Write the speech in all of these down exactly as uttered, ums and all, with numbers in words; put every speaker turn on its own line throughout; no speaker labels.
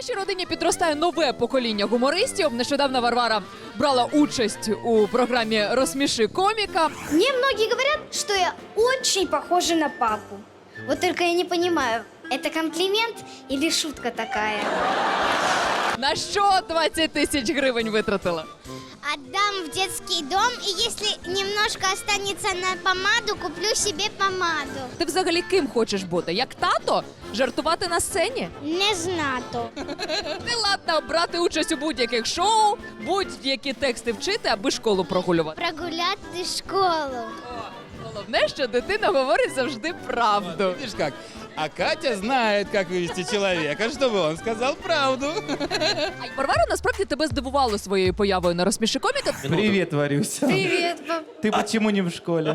вашій родині підростає нове покоління гумористів. Нещодавно Варвара брала участь у програмі «Розсміши коміка».
Мне многие говорят, что я очень похожа на папу. Вот только я не понимаю, это комплимент или шутка такая?
На що двадцять тисяч гривень витратила?
Отдам в детский дом, и если немножко останется на помаду, куплю себе помаду.
Ти взагалі ким хочеш бути? Як тато? Жартувати на сцені?
Не знато.
Ти ладна брати участь у будь-яких шоу, будь-які тексти вчити, аби школу прогулювати.
Прогуляти школу.
Головне, що дитина говорить завжди правду.
Видишь как? А Катя знает, как вывести человека, чтобы он сказал правду.
А Варвара насправді тебе здивувала своєю появою на «Розсміши коміка».
Привет, Варюся.
Привет, пап.
Ты почему не в школе?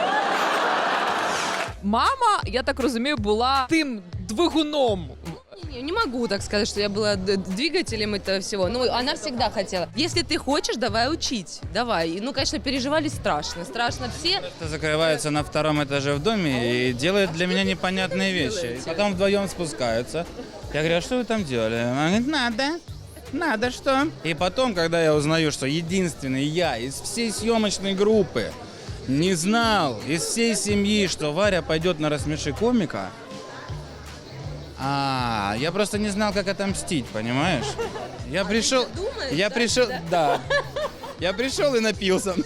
Мама, я так розумію, була тим двигуном.
Не, не могу так сказать, что я была д- двигателем этого всего. Ну, она всегда хотела. Если ты хочешь, давай учить. Давай. И, ну, конечно, переживали страшно. Страшно все.
Закрываются на втором этаже в доме и делают для меня непонятные вещи. И потом вдвоем спускаются. Я говорю, а что вы там делали? Она говорит, надо. Надо что? И потом, когда я узнаю, что единственный я из всей съемочной группы не знал из всей семьи, что Варя пойдет на «Рассмеши комика», а, я просто не знал, как отомстить, понимаешь? Я пришел, я пришел, да, я пришел и напился.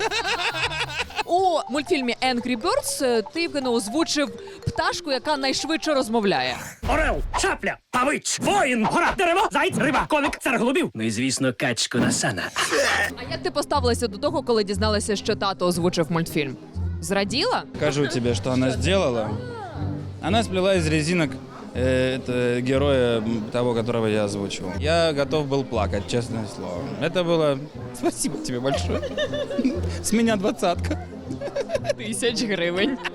У мультфільмі «Angry Birds» ти, Євгене, озвучив пташку, яка найшвидше розмовляє.
Орел, шапля, павич, воїн, гора, дерево, заєць, риба, коник, цар голубів. Ну і, звісно, качку Насана.
А як ти поставилася до того, коли дізналася, що тато озвучив мультфільм? Зраділа?
Скажу тебе, что она сделала. Она сплела из резинок э, это, героя м, того, которого я озвучивал. Я готов был плакать, честное слово. Это было... Спасибо тебе большое. С меня двадцатка.
Тисяч гривень.